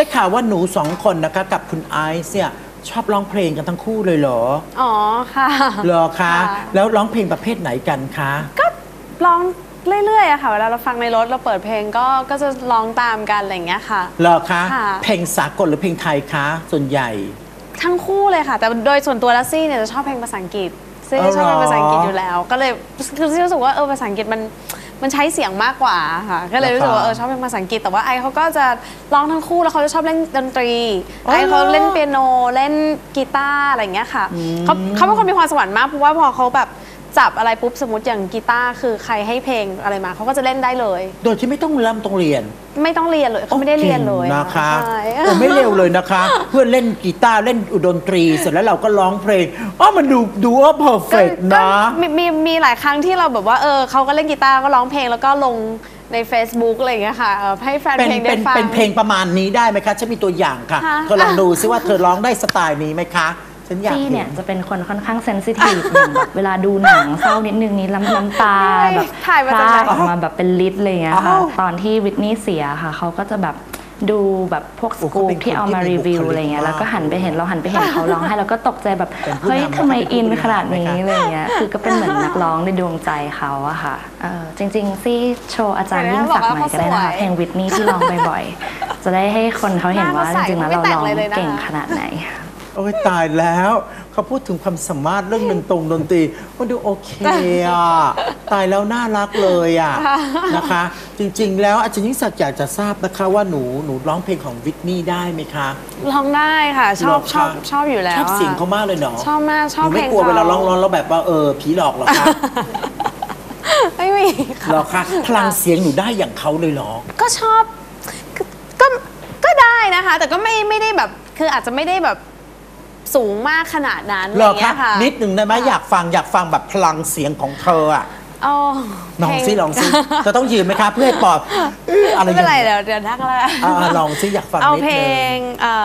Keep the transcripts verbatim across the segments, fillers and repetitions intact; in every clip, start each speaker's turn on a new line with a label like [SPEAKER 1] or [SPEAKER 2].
[SPEAKER 1] ได้ข่าวว่าหนูสองคนนะคะกับคุณไอซ์เนี่ยชอบร้องเพลงกันทั้งคู่เลยเหรอ
[SPEAKER 2] อ๋อค่ะ
[SPEAKER 1] เหรอคะแล้วร้องเพลงประเภทไหนกันคะ
[SPEAKER 2] ก็ร้องเรื่อยๆอะค่ะเวลาเราฟังในรถเราเปิดเพลงก็ก็จะร้องตามกันอะไรอย่างเงี้ยค่ะ
[SPEAKER 1] เหรอคะเพลงสากลหรือเพลงไทยคะส่วนใหญ่
[SPEAKER 2] ทั้งคู่เลยค่ะแต่โดยส่วนตัวแล้วซี่เนี่ยจะชอบเพลงภาษาอังกฤษซี่ชอบเพลงภาษาอังกฤษอยู่แล้วก็เลยคือซี่รู้สึกว่าเออภาษาอังกฤษมันมันใช้เสียงมากกว่าค่ะก็เลยรู้สึกว่าเออชอบเพลงภาษาอังกฤษแต่ว่าไอเขาก็จะร้องทั้งคู่แล้วเขาจะชอบเล่นดนตรีไอเขาเล่นเปียโนเล่นกีตาร์อะไรอย่างเงี้ยค่ะเขาเขาเป็นคนมีความสวรรค์มากเพราะว่าพอเขาแบบจับอะไรปุ๊บสมมติอย่างกีตาร์คือใครให้เพลงอะไรมาเขาก็จะเล่นได้เลย
[SPEAKER 1] โดยที่ไม่ต้องเริ่มต้องเรียน
[SPEAKER 2] ไม่ต้องเรียนเลยเขาไม่ได้เรียนเลย
[SPEAKER 1] นะคะผมไม่เร็วเลยนะคะเพื่อนเล่นกีตาร์เล่นดนตรีเสร็จแล้วเราก็ร้องเพลงอ๋อมันดูดูว่าเพอร์เฟกต์นะ
[SPEAKER 2] มีมีมีหลายครั้งที่เราแบบว่าเออเขาก็เล่นกีตาร์ก็ร้องเพลงแล้วก็ลงใน Facebook อะไรอย่างเงี้ยค่ะให้แฟนเพลงได้ฟัง
[SPEAKER 1] เป็นเพลงประมาณนี้ได้ไหมคะฉันมีตัวอย่างค่ะเธอลองดูซิว่าเธอร้องได้สไตล์นี้ไหมคะ
[SPEAKER 3] ซี่เนี่ยจะเป็นคนค่อนข้างเซนซิทีฟอย่างแบบเวลาดูหนังเศร้านิดนึงนี้น้ำน้ำตาแบบพร่าออกมาแบบเป็นลิตรเลยอะค่ะตอนที่วิทนี่เสียค่ะเขาก็จะแบบดูแบบพวกสกู๊ปที่เอามารีวิวอะไรเงี้ยแล้วก็หันไปเห็นเราหันไปเห็นเขาร้องให้เราก็ตกใจแบบเฮ้ยทำไมอินขนาดนี้อะไรเงี้ยคือก็เป็นเหมือนนักร้องในดวงใจเขาอะค่ะจริงๆซี่โชว์อาจารย์ยิ่งศักดิ์หน่อยก็ได้นะคะเพลงวิทนี่ที่ร้องบ่อยๆจะได้ให้คนเขาเห็นว่าจริงๆแล้วเราร้องเก่งขนาดไหน
[SPEAKER 1] โอ้ยตายแล้วเขาพูดถึงความสามารถเรื่องดนตรงดนตรีมันดูโอเคอ่ะตายแล้วน่ารักเลยอ่ะนะคะจริงๆแล้วอาจารย์ยิ่งศักดิ์อยากจะทราบนะคะว่าหนูหนูร้องเพลงของวิทนี่ได้ไหมคะ
[SPEAKER 2] ร้องได้ค่ะชอบชอบชอบอยู่แล้ว
[SPEAKER 1] ชอบเสียงเขามากเลยเนาะ
[SPEAKER 2] ชอบมากชอบเพลงเขา
[SPEAKER 1] ไม่กลัวเวลาร้องร้องแล้วแบบว่าเออผีหลอกหรอคะ
[SPEAKER 2] ไม่มี
[SPEAKER 1] หรอคะพลังเสียงหนูได้อย่างเขาเลยเหรอ
[SPEAKER 2] ก็ชอบก็ก็ได้นะคะแต่ก็ไม่ไม่ได้แบบคืออาจจะไม่ได้แบบสูงมากขนาดนั้นอะไรอย่างเงี้ยค่ะ
[SPEAKER 1] นิดหนึ่งได้ไหมอยากฟังอยากฟังแบบพลังเสียงของเธออ่ะลองซิลองซิจะต้องยืนไหมคะเพื่อให้ปลอด
[SPEAKER 2] อะไรไม่เป็นไรเดี๋ยวเดี๋ยวทักแล้ว
[SPEAKER 1] ลองซิอยากฟัง
[SPEAKER 2] เอาเพลง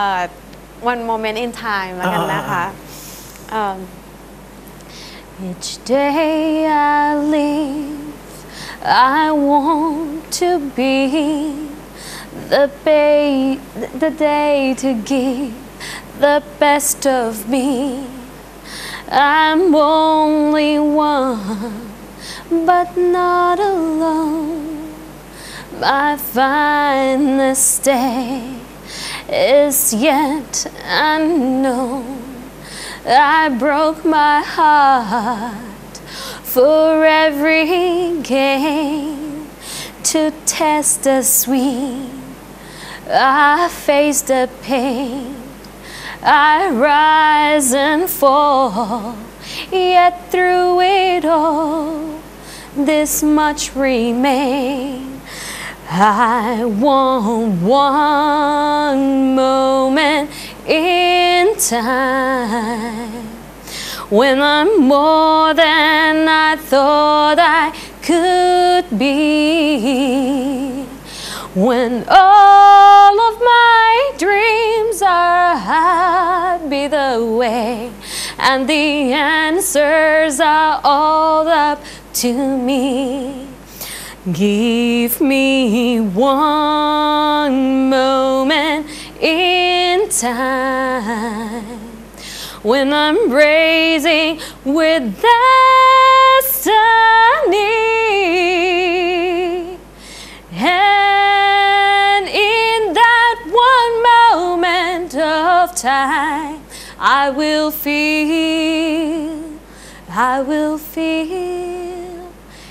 [SPEAKER 2] One Moment in Time แล้วกันนะคะ Each day I live I want to be the day the day to give the best of me I'm only one but not alone my finest day is yet unknown I broke my heart for every game to test the sweet I face the pain I rise and fall, yet through it all, this much remains. I want one moment in time when I'm more than I thought I could be. When all of my dreams are happy the way and the answers are all up to me. Give me one moment in time when I'm raising with destiny. And in that one moment of time, I will feel, I will feel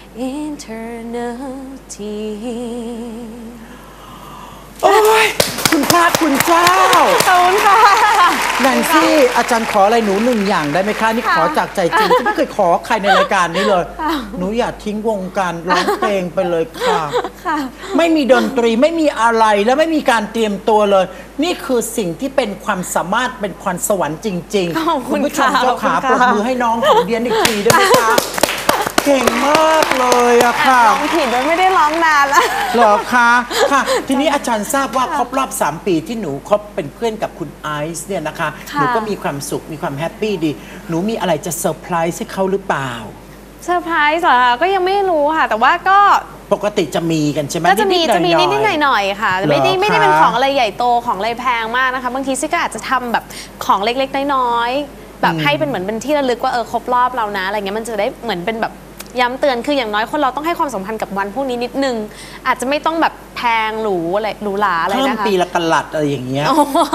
[SPEAKER 2] eternity.
[SPEAKER 1] โอ้ยคุณพระคุณเจ้า
[SPEAKER 2] ขอบคุณค่ะ
[SPEAKER 1] แนนซี่อาจารย์ขออะไรหนูหนึ่งอย่างได้ไหมคะนี่ขอจากใจจริงที่ไม่เคยขอใครในรายการนี้เลยหนูอย่าทิ้งวงการร้องเพลงไปเลยค่ะไม่มีดนตรีไม่มีอะไรและไม่มีการเตรียมตัวเลยนี่คือสิ่งที่เป็นความสามารถเป็นพรสวรรค์จริงๆคุณผู้ชมเจ้าขาปรบมือให้น้องของเดียนอีกทีได้ไหมคะเก่งมากเลยอะค่ะ
[SPEAKER 2] ร้องผิดโดยไม่ได้ร้องนานแล้ว
[SPEAKER 1] เหรอคะค่ะทีนี้อาจารย์ทราบว่าครบรอบสามปีที่หนูคบเป็นเพื่อนกับคุณไอซ์เนี่ยนะคะหนูก็มีความสุขมีความแฮปปี้ดีหนูมีอะไรจะเซอร์ไพรส์ให้เขาหรือเปล่า
[SPEAKER 2] เซอร์ไพรส์เหรอก็ยังไม่รู้ค่ะแต่ว่าก็
[SPEAKER 1] ปกติจะมีกันใช่ไหม
[SPEAKER 2] ก็จะมี
[SPEAKER 1] นิดๆ
[SPEAKER 2] จะมี
[SPEAKER 1] หน่อยๆ
[SPEAKER 2] นิดๆหน่อยๆค่ะ
[SPEAKER 1] เหรอ
[SPEAKER 2] ไม่ได้ไม่ได้
[SPEAKER 1] คะ
[SPEAKER 2] เป็นของอะไรใหญ่โตของอะไรแพงมากนะคะบางทีซิก็อาจจะทำแบบของเล็กๆน้อยๆแบบให้เป็นเหมือนเป็นที่ระลึกว่าเออครบรอบเรานะอะไรเงี้ยมันจะได้เหมือนเป็นแบบย้ำเตือนคืออย่างน้อยคนเราต้องให้ความสำคัญกับวันพวกนี้นิดนึงอาจจะไม่ต้องแบบแพงหรูอะไรหรูหราอะไร
[SPEAKER 1] เพิ่ม
[SPEAKER 2] นะคะ
[SPEAKER 1] ปีละกะลัดอะไรอย่างเงี้ย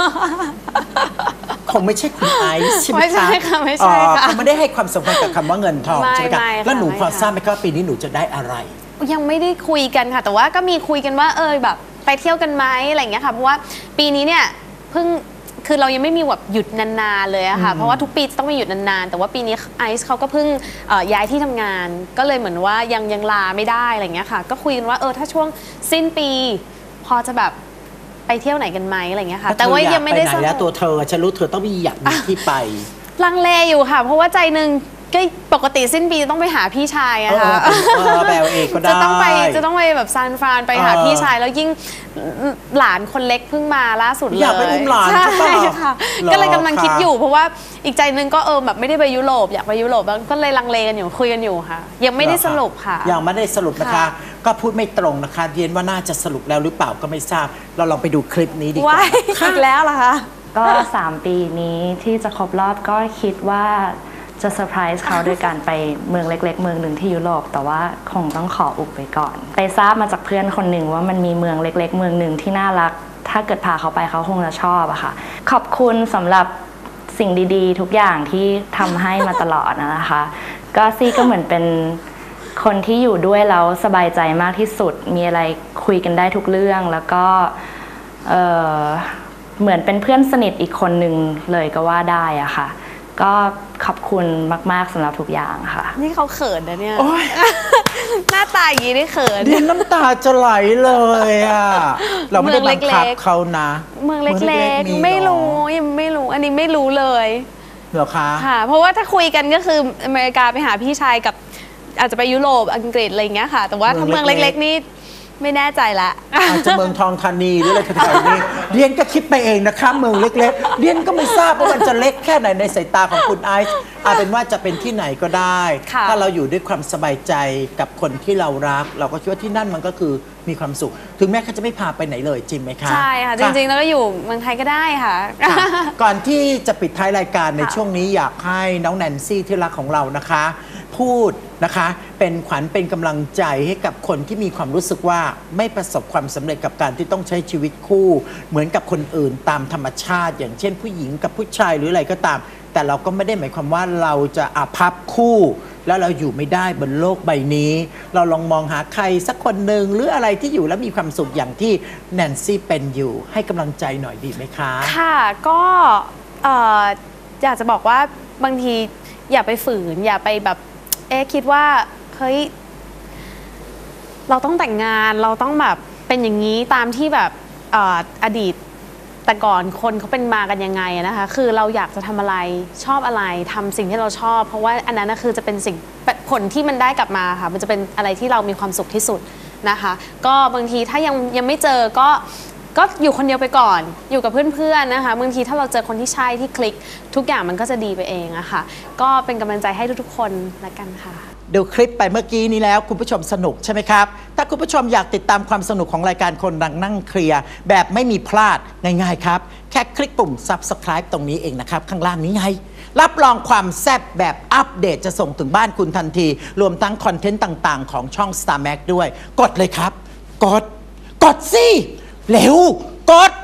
[SPEAKER 1] คงไม่ใช่คุณไอซ์ใช่ไหม
[SPEAKER 2] ไม่ใช่
[SPEAKER 1] คะ
[SPEAKER 2] ค่ะไม่ใช่ค่ะ
[SPEAKER 1] อ๋อเขาไม่ได้ให้ความสำคัญกับคำว่าเงินทอง
[SPEAKER 2] ไม่
[SPEAKER 1] ใช่ไหมคะ
[SPEAKER 2] ไม่ค่ะ
[SPEAKER 1] แล้วหนู
[SPEAKER 2] ไม่
[SPEAKER 1] พอ
[SPEAKER 2] ค่ะ
[SPEAKER 1] ทราบไหมคะว่าปีนี้หนูจะได้อะไร
[SPEAKER 2] ยังไม่ได้คุยกันค่ะ แต่ว่าก็มีคุยกันว่าเออแบบไปเที่ยวกันไหมอะไรอย่างเงี้ยค่ะเพราะว่าปีนี้เนี่ยเพิ่งคือเรายังไม่มีแบบหยุดนานๆเลยอะค่ะเพราะว่าทุกปีจะต้องมีหยุดนานๆแต่ว่าปีนี้ไอซ์เขาก็เพิ่งเอ่อย้ายที่ทำงาน ก็เลยเหมือนว่ายังยังลาไม่ได้อะไรอย่างเงี้ยค่ะก็คุยกันว่าเออถ้าช่วงสิ้นปี พอจะแบบไปเที่ยวไหนกันไหมอะไรอย่างเงี้ยค่ะแต่ว่ายังไม่ได้
[SPEAKER 1] เธออยากปหนแล้วตัวเธอฉันรู้เธอต้องมีอยากมีที่ไป
[SPEAKER 2] ลังเลอยู่ค่ะ เพราะว่าใจหนึ่งก็ปกติสิ้นปีจะต้องไปหาพี่ชายอะค่ะ
[SPEAKER 1] เออเออแบบเองก็ได้
[SPEAKER 2] จะต้องไปจะต้องไปแบบซานฟรานไปหา
[SPEAKER 1] เออ
[SPEAKER 2] พี่ชายแล้วยิ่งหลานคนเล็กเพิ่งมาล่าสุดเลย
[SPEAKER 1] อยากไปอุ้มหลาน
[SPEAKER 2] ใช่
[SPEAKER 1] ใช่ปะ
[SPEAKER 2] ค่ะ
[SPEAKER 1] เหรอ
[SPEAKER 2] ก็เลยกำลังคิด
[SPEAKER 1] คะ
[SPEAKER 2] อยู่เพราะว่าอีกใจหนึงก็เออแบบไม่ได้ไปยุโรปอยากไปยุโรปแล้วก็เลยลังเลกันอยู่คุยกันอยู่ค่ะ ยังไม่ได้สรุปค่ะ
[SPEAKER 1] ยังไม่ได้สรุปนะคะ
[SPEAKER 2] ค่ะ
[SPEAKER 1] ก็พูดไม่ตรงนะคะเรียนว่าน่าจะสรุปแล้วหรือเปล่าก็ไม่ทราบ เราลองไปดูคลิปนี้ดีกว่า
[SPEAKER 2] ว้าย
[SPEAKER 1] นะคะ
[SPEAKER 2] อีกแล้วเหรอคะ
[SPEAKER 3] ก็สามปีนี้ที่จะครบรอบก็คิดว่าจะเซอร์ไพรส์เขาโดยการไปเมืองเล็กๆ เมืองหนึ่งที่ยุโรปแต่ว่าคงต้องขออุบไว้ก่อน ไปทราบมาจากเพื่อนคนหนึ่งว่ามันมีเมืองเล็กๆ เมืองหนึ่งที่น่ารัก ถ้าเกิดพาเขาไปเขาคงจะชอบอะค่ะขอบคุณสำหรับสิ่งดีๆ ทุกอย่างที่ทำให้มาตลอดนะคะ ก็ซี่ก็เหมือนเป็นคนที่อยู่ด้วยแล้วสบายใจมากที่สุดมีอะไรคุยกันได้ทุกเรื่องแล้วก็เอ่อเหมือนเป็นเพื่อนสนิทอีกคนหนึ่งเลยก็ว่าได้อะค่ะก็ขอบคุณมากๆสำหรับทุกอย่างค่ะ
[SPEAKER 2] นี่เขาเขินนะเนี่ย
[SPEAKER 1] โอ๊ย
[SPEAKER 2] หน้าตาอย่างนี้ได้เขิน
[SPEAKER 1] เรียนน้ำตาจะไหลเลยอ่ะ เราไม่ได้บังคับ
[SPEAKER 2] เมืองเล็กๆ
[SPEAKER 1] เขานะ
[SPEAKER 2] เมืองเล็กๆ
[SPEAKER 1] ๆ
[SPEAKER 2] ไม่รู้
[SPEAKER 1] เหอ
[SPEAKER 2] ยังไม่รู้อันนี้ไม่รู้เลย
[SPEAKER 1] เหรอคะ
[SPEAKER 2] ค่ะ เพราะว่าถ้าคุยกันก็คืออเมริกาไปหาพี่ชายกับอาจจะไปยุโรปอังกฤษอะไรอย่างเงี้ยค่ะ แต่ว่าถ้า
[SPEAKER 1] เมื
[SPEAKER 2] เมื
[SPEAKER 1] อ
[SPEAKER 2] อง ง
[SPEAKER 1] เล็กๆ
[SPEAKER 2] เล็กๆนี่ไม่แน่ใจละ
[SPEAKER 1] อาจจะเมืองทองธานีหรืออะไรแถวๆนี้เรียนก็คิดไปเองนะคะเมืองเล็กๆเรียนก็ไม่ทราบว่ามันจะเล็กแค่ไหนในสายตาของคุณไอซ์เอาเป็นว่าจะเป็นที่ไหนก็ได้
[SPEAKER 2] ค่ะ
[SPEAKER 1] ถ้าเราอยู่ด้วยความสบายใจกับคนที่เรารัก เราก็คิดว่าที่นั่นมันก็คือมีความสุข ถึงแม้เขาจะไม่พาไปไหนเลยจริงไหมคะ
[SPEAKER 2] ใช่ค่ะ จริงๆ แล้วก็อยู่เมืองไทยก็ได้ค่ะ
[SPEAKER 1] ค่ะก่อนที่จะปิดท้ายรายการใน
[SPEAKER 2] ค่ะ
[SPEAKER 1] ช่วงนี้อยากให้น้องแนนซี่ที่รักของเรานะคะ พูดนะคะเป็นขวัญเป็นกำลังใจให้กับคนที่มีความรู้สึกว่าไม่ประสบความสำเร็จกับการที่ต้องใช้ชีวิตคู่ เหมือนกับคนอื่นตามธรรมชาติ อย่างเช่นผู้หญิงกับผู้ชายหรืออะไรก็ตาม แต่เราก็ไม่ได้หมายความว่าเราจะอาภัพคู่ แล้วเราอยู่ไม่ได้บนโลกใบนี้ เราลองมองหาใครสักคนหนึ่งหรืออะไรที่อยู่แล้วมีความสุขอย่างที่แนนซี่เป็นอยู่ให้กำลังใจหน่อยดีไหมคะ
[SPEAKER 2] ค่ะก็เอ่ออยากจะบอกว่าบางทีอย่าไปฝืน อย่าไปแบบเอ๊ะคิดว่าเฮ้ยเราต้องแต่งงานเราต้องแบบเป็นอย่างนี้ตามที่แบบเอ่ออดีตแต่ก่อนคนเขาเป็นมากันยังไงอะนะคะคือเราอยากจะทำอะไรชอบอะไรทำสิ่งที่เราชอบ เพราะว่าอันนั้นนะคือจะเป็นสิ่งผลที่มันได้กลับมาค่ะมันจะเป็นอะไรที่เรามีความสุขที่สุดนะคะ ก็บางทีถ้ายังยังไม่เจอก็ก็อยู่คนเดียวไปก่อนอยู่กับเพื่อนๆนะคะบางทีถ้าเราเจอคนที่ใช่ที่คลิกทุกอย่างมันก็จะดีไปเองอะค่ะก็เป็นกำลังใจให้ทุกๆคนละกันค่ะ
[SPEAKER 1] ดูคลิปไปเมื่อกี้นี้แล้วคุณผู้ชมสนุกใช่ไหมครับ ถ้าคุณผู้ชมอยากติดตามความสนุกของรายการคนดังนั่งเคลียร์แบบไม่มีพลาดง่ายๆครับ แค่คลิกปุ่ม Subscribe ตรงนี้เองนะครับ ข้างล่างนี้ไง รับรองความแซ่บแบบอัปเดตจะส่งถึงบ้านคุณทันที รวมทั้งคอนเทนต์ต่างๆ ของช่อง Star Max ด้วย กดเลยครับ กด กดสิเร็วกด